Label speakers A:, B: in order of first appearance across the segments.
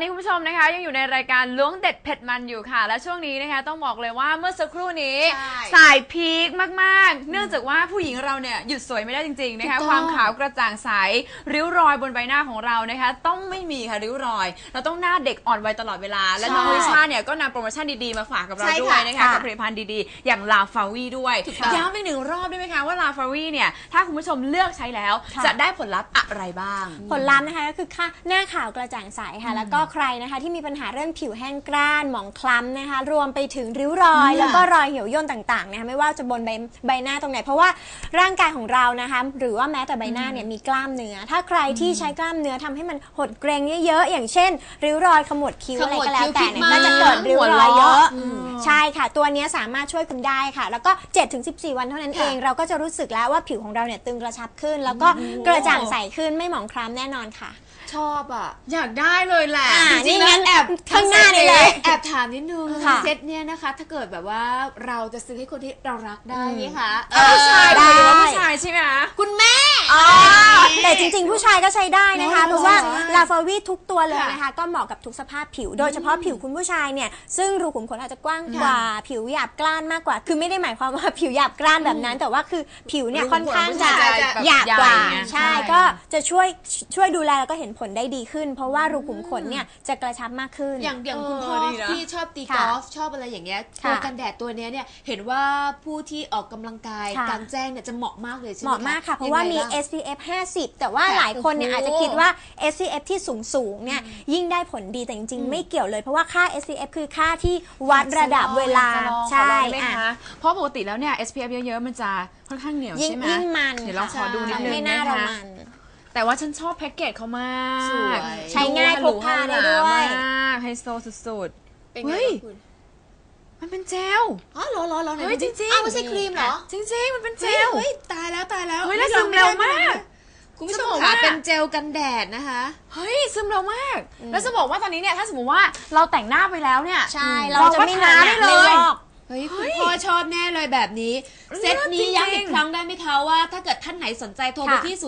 A: นี้คุณผู้ชมนะคะยังอยู่ในรายการล้วงเด็ดเผ็ดมันอยู่ค่ะและช่วงนี้นะคะต้องบอกเลยว่าเมื่อสักครู่นี้สายพีคมากๆเนื่องจากว่าผู้หญิงเราเนี่ยหยุดสวยไม่ได้จริงๆนะคะความขาวกระจ่างใสริ้วรอยบนใบหน้าของเรานะคะต้องไม่มีค่ะริ้วรอยเราต้องหน้าเด็กอ่อนวัยตลอดเวลาและน้องลิซ่าเนี่ยก็นำโปรโมชั่นดีๆมาฝากกับเราด้วยนะคะกับผลิตภัณฑ์ดีๆอย่างลาฟาวีด้วยย้ำอีกหนึ่งรอบได้ไหมคะว่าลาฟาวีเนี่ยถ้าคุณผู้ชมเลือกใช้แล้วจะได้ผลลัพธ์อะไรบ้าง
B: ผลลัพธ์นะคะก็คือหน้าขาวกระจ่างใสค่ะแล้วก็ใครนะคะที่มีปัญหาเรื่องผิวแห้งกร้านหมองคล้ำนะคะรวมไปถึงริ้วรอยแล้วก็รอยเหี่ยวย่นต่างๆนะคะไม่ว่าจะบนใบหน้าตรงไหนเพราะว่าร่างกายของเรานะคะหรือว่าแม้แต่ใบหน้าเนี่ยมีกล้ามเนื้อถ้าใครที่ใช้กล้ามเนื้อทำให้มันหดเกร็งเยอะๆอย่างเช่นริ้วรอยขมวดคิ้วอะไรก็แล้วแต่เนี่ยก็จะเกิดริ้วรอยเยอะใช่ค่ะตัวนี้สามารถช่วยคุณได้ค่ะแล้วก็ 7-14 วันเท่านั้นเองเราก็จะรู้สึกแล้วว่าผิวของเราเนี่ยตึงกระชับขึ้นแล้วก็กระจ่างใสขึ้นไม่หมองคล้ำแน่นอนค่ะ
C: ชอบอ่ะ
A: อยากได้เลยแหละ
B: จริงๆงั้นแอบข้างหน้านี่เลย
C: แอบถามนิดนึงเซตเนี่ยนะคะถ้าเกิดแบบว่าเราจะซื้อให้คนที่เรารักได้ไหมคะ
A: ผู้ชายได้ผู้ชายใช่ไหม
C: คุณแม่
B: แต่จริงๆผู้ชายก็ใช้ได้นะคะเพราะว่าลาฟาวีทุกตัวเลยนะคะก็เหมาะกับทุกสภาพผิวโดยเฉพาะผิวคุณผู้ชายเนี่ยซึ่งรูขุมขนอาจจะกว้างกว่าผิวหยาบกร้านมากกว่าคือไม่ได้หมายความว่าผิวหยาบกร้านแบบนั้นแต่ว่าคือผิวเนี่ยค่อนข้างจะหยาบกว่าใช่ก็จะช่วยดูแลแล้วก็เห็นผลได้ดีขึ้นเพราะว่ารูขุมขนเนี่ยจะกระชับมากขึ้น
C: อย่างคุณพ่อที่ชอบตีกอล์ฟชอบอะไรอย่างเงี้ยตัวกันแดดตัวนี้เนี่ยเห็นว่าผู้ที่ออกกำลังกายกลางแจ้งเนี่ยจะเหมาะมากเลยใช่ไหม
B: เหมาะมากค่ะเพราะว่ามี SPF 50 แต่ว่าหลายคนเนี่ยอาจจะคิดว่า SPF ที่สูงเนี่ยยิ่งได้ผลดีแต่จริงๆไม่เกี่ยวเลยเพราะว่าค่า SPF คือค่าที่วัดระดับเวลาใช่
A: เพราะปกติแล้วเนี่ย SPF เยอะๆมันจะค่อนข้างเหนียวใช่ไหม
B: ยิ่งมัน
A: เดี๋ยวเราขอดูนิดนึงนะคะแต่ว่าฉันชอบแพ็กเกจเขามาก
B: ใช้ง่ายพกพาได้ด้วย
A: ไฮโซสุด
C: ๆเป็นไงคุณ
A: มันเป็นเจล
C: อ๋อเหรอ
A: เฮ้ยจริงๆ
C: ไม่ใช่ครีมเหรอ
A: จริงๆมันเป็นเจล
C: เฮ้ยตายแล้ว
A: เฮ้ยแล้วซึมเร็วมาก
C: คุณผู้ชมค่ะเป็นเจลกันแดดนะคะ
A: เฮ้ยซึมเร็วมากแล้วจะบอกว่าตอนนี้เนี่ยถ้าสมมติว่าเราแต่งหน้าไปแล้วเนี่ย
B: ใช่เราจะไม่ทาได้
A: เลย
C: เฮ้ยคุณพ่อชอบแน่เลยแบบนี้เซตนี้ย้ำอีกครั้งได้ไหมคะว่าถ้าเกิดท่านไหนสนใจโทรไปที่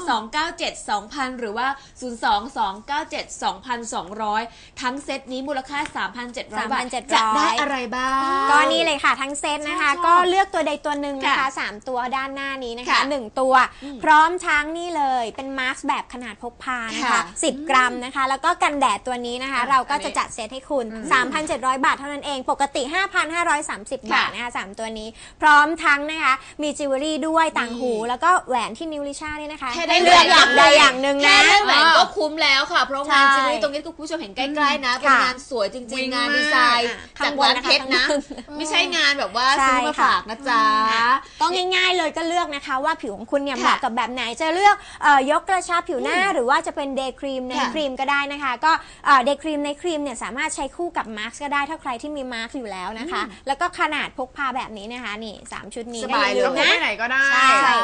C: 022972000 หรือว่า 022972200 ทั้งเซตนี้มูลค่า 3,700 บาทจะได้อะไรบ้าง
B: ก็นี่เลยค่ะทั้งเซตนะคะก็เลือกตัวใดตัวหนึ่งนะคะ3ตัวด้านหน้านี้นะคะ1ตัวพร้อมทั้งนี่เลยเป็นมาสก์แบบขนาดพกพานะคะ10 กรัมนะคะแล้วก็กันแดดตัวนี้นะคะเราก็จะจัดเซตให้คุณ 3,700 บาทเท่านั้นเองปกติ 5,530 บาทนะคะ3ตัวนี้พร้อมทั้งนะคะมีจิวเวลรี่ด้วยต่างหูแล้วก็แหวนที่นิ้วลิซ่านี่นะคะ
C: ให้เลือกอย่างใดอย่างหนึ่งนะแค่แหวนก็คุ้มแล้วค่ะเพราะงานจิวเวลรี่ตรงนี้คุณผู้ชมเห็นใกล้ๆนะเป็นงานสวยจริงๆงานดีไซน์จากร้านเพชรนะไม่ใช่งานแบบว่าซื้อมาฝากนะจ๊ะ
B: ก็ง่ายๆเลยก็เลือกนะคะว่าผิวของคุณเนี่ยเหมาะกับแบบไหนจะเลือกยกกระชับผิวหน้าหรือว่าจะเป็นเดย์ครีมในครีมก็ได้นะคะก็เดย์ครีมในครีมเนี่ยสามารถใช้คู่กับมาสก์ก็ได้ถ้าใครที่มีมาสก์อยู่แล้วนะคะแล้วก็ขนาดพกพาแบบนี้นะคะนี่3ชุดนี้
A: สบายเลยพกไปไหนก็ได้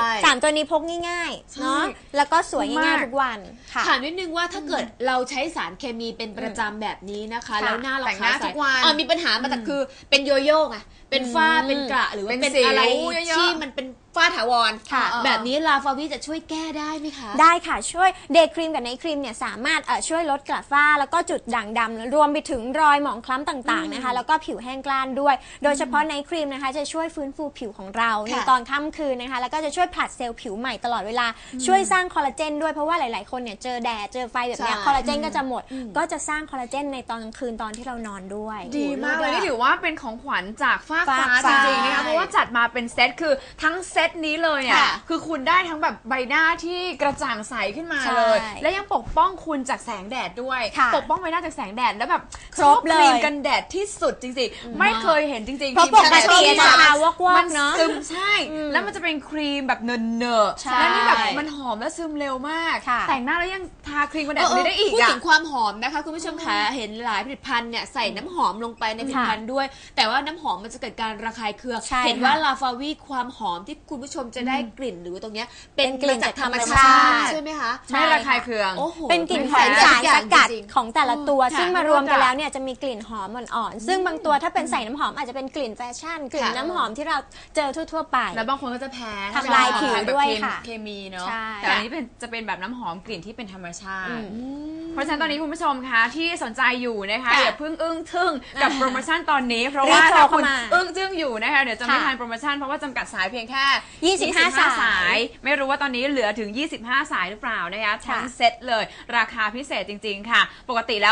B: 3ตัวนี้พกง่ายๆเนาะแล้วก็สวยง่ายๆทุกวันค่ะ
C: ถามนิดนึงว่าถ้าเกิดเราใช้สารเคมีเป็นประจำแบบนี้นะคะแล้วหน้าเราขาวใสมีปัญหามาแต่คือเป็นโยโย่ไงเป็นฝ้าเป็นกระหรือว่าเป็นอะไรที่มันเป็นฝ้าถาวรแบบนี้ลาฟาวีจะช่วยแก้ได้ไหมคะ
B: ได้ค่ะช่วยเดย์ครีมกับไนท์ครีมเนี่ยสามารถช่วยลดกระฝ้าแล้วก็จุดด่างดำรวมไปถึงรอยหมองคล้ำต่างๆนะคะแล้วก็ผิวแห้งกร้านด้วยโดยเฉพาะไนท์ครีมนะคะจะช่วยฟื้นฟูผิวของเราในตอนค่ำคืนนะคะแล้วก็จะช่วยผลัดเซลล์ผิวใหม่ตลอดเวลาช่วยสร้างคอลลาเจนด้วยเพราะว่าหลายๆคนเนี่ยเจอแดดเจอไฟแบบนี้คอลลาเจนก็จะหมดก็จะสร้างคอลลาเจนในตอนกลางคืนตอนที่เรานอนด้วย
A: ดีมากเลยนี่ถือว่าเป็นของขวัญจากฟ้าจริงๆนะคะเพราะว่าจัดมาเป็นเซตคือทั้งเซตนี้เลยเนี่ยคือคุณได้ทั้งแบบใบหน้าที่กระจ่างใสขึ้นมาเลยและยังปกป้องคุณจากแสงแดดด้วยปกป้องใบหน้าจากแสงแดดแล้วแบบ
B: ครบเลย
A: ครีมกันแดดที่สุดจริงๆไม่เคยเห็นจริงๆ
B: เพราะปกติจะทาวอกๆเนาะ
A: ใช่แล้วมันจะเป็นครีมแบบเนอะๆแล้วนี่แบบมันหอมและซึมเร็วมากแต่งหน้าแล้วยังทาครีมกันแดดได้อีก
C: พูดถึงความหอมนะคะคุณผู้ชมคะเห็นหลายผลิตภัณฑ์เนี่ยใส่น้ำหอมลงไปในผลิตภัณฑ์ด้วยแต่ว่าน้ำหอมมันจะเกิดการระคายเคืองเห็นว่าลาฟาวีความหอมที่คุณผู้ชมจะได้กลิ่นหรือตรงนี้เป็นกลิ่นจากธรรมชาติใช่ไหมคะ
A: ไม่ระคายเคือง
B: เป็นกลิ่นของสารสกัดของแต่ละตัวซึ่งมารวมกันแล้วเนี่ยจะมีกลิ่นหอมอ่อนๆซึ่งบางตัวถ้าเป็นใส่น้ำหอมอาจจะเป็นกลิ่นแฟชั่นกลิ่นน้ำหอมที่เราเจอทั่วๆไป
A: แล้วบางคนก็จะแพ้
B: ทำลายผิวด้วยค่ะ
A: เคมีเนาะแต่อันนี้จะเป็นแบบน้ำหอมกลิ่นที่เป็นธรรมชาติเพราะฉะนั้นตอนนี้คุณผู้ชมคะที่สนใจอยู่นะคะ
C: ค่ะ
A: อย่าเพิ่งอึ้งทึ่งกับโปรโมชั่นตอนนี้เพราะว่าถ้าคุณอึ้งจึ้งอยู่นะคะเดี๋ยวจะไม่ทันโปรโมชั่นเพราะว่าจำกัดสายเพียงแค่
B: 25
A: สายไม่รู้ว่าตอนนี้เหลือถึง 25 สายหรือเปล่านะคะทั้งเซตเลยราคาพิเศษจริงๆค่ะปกติแล้ว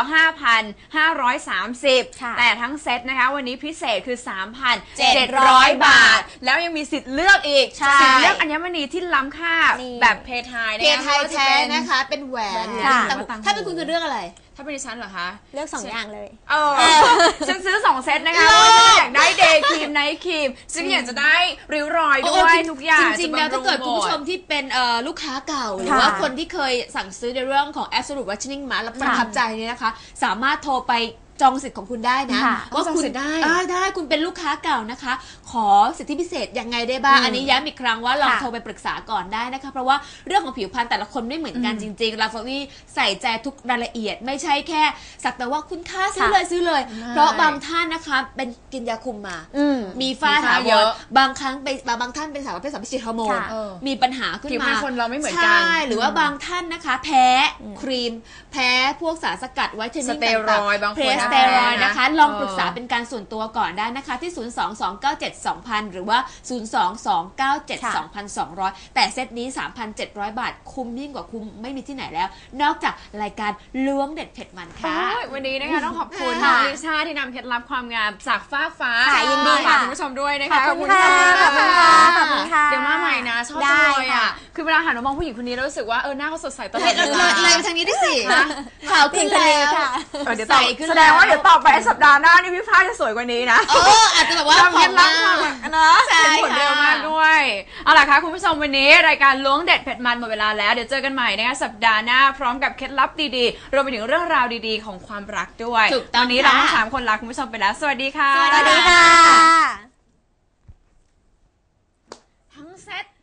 A: 5,530 แต่ทั้งเซตนะคะวันนี้พิเศษคือ 3,700 บาทแล้วยังมีสิทธิ์เลือกอีกสิทธิ์เลือกอัญมณีที่ล้ำค่าแบบเพทาย
C: เพไทยแท้นะคะเป็นแหวนถ้าเป็นคุณจะเลือกอะไร
A: ถ้าเป็นดิฉันเหรอคะ
B: เลือก2 อย่างเลย
A: ฉันซื้อ2 เซตนะคะเพราะฉันอยากได้เดย์ครีมไนท์ครีมซึ่งอยากจะได้ริ้วรอยด้วยทุกอย่าง
C: จริงๆแล้วถ้าเกิดคุณผู้ชมที่เป็นลูกค้าเก่าหรือว่าคนที่เคยสั่งซื้อในเรื่องของ Absolute Whitening Mask แล้วประทับใจเนี่ยนะคะสามารถโทรไปจองสิทธิ์ของคุณได้นะว่าคุณได้คุณเป็นลูกค้าเก่านะคะขอสิทธิพิเศษยังไงได้บ้างอันนี้ย้ำอีกครั้งว่าลองโทรไปปรึกษาก่อนได้นะคะเพราะว่าเรื่องของผิวพรรณแต่ละคนไม่เหมือนกันจริงๆลาฟาวีใส่ใจทุกรายละเอียดไม่ใช่แค่สักแต่ว่าคุณค่าซื้อเลยเพราะบางท่านนะคะเป็นกินยาคุมมามีฝ้าถาวรบางครั้งบางท่านเป็นสาวประเภท3 ฮอร์โมนมีปัญหาขึ้นมา
A: ผิวพรรณคนเราไม่เหมือนกัน
C: ใช่หรือว่าบางท่านนะคะแพ้ครีมแพ้พวกสารสกัดไวท์เทนนิ่งต่างๆ
A: บางคน
C: สเตียรอยด์นะคะลองปรึกษาเป็นการส่วนตัวก่อนได้นะคะที่ 022972000 หรือว่า 022972200 แต่เซตนี้ 3,700 บาทคุ้มยิ่งกว่าคุ้มไม่มีที่ไหนแล้ว นอกจากรายการล้วงเด็ดเผ็ดมันค่ะ
A: วันนี้นะคะต้องขอบคุณน้องลิซ่าที่นำเคล็ดลับความงามจากฟ้า
B: ยินดี
A: ฝาก
B: ค่ะ
A: คุณผู้ชมด้วยนะคะ
B: ขอบคุณค่ะขอบคุณค่ะ
A: เดี๋ยวมาใหม่นะชอบจังเลยอ่ะคือเวลาหันมามองผู้หญิงคนนี้รู้สึกว่าหน้าเขาสดใสตลอด
C: เลยทางนี้ได้สิขาวขึ้นแล้ว
A: เดี๋ยวแสดงว่าเดี๋ยวต่อไปสัปดาห์หน้านี่พี่ฟ้าจะสวยกว่านี้นะ
C: อาจจะแบบว่า
A: เคล็ดลับความนะเป็นผลเร็วมากด้วยเอาล่ะค่ะคุณผู้ชมวันนี้รายการล้วงเด็ดเผ็ดมันหมดเวลาแล้วเดี๋ยวเจอกันใหม่นะคะสัปดาห์หน้าพร้อมกับเคล็ดลับดีๆรวมไปถึงเรื่องราวดีๆของความรักด้วยตอนนี้เราทั้ง3 คนลาคุณผู้ชมไปแล้วสวัสดีค่ะ
B: สวัสดีค่ะ
A: ทั้งเซต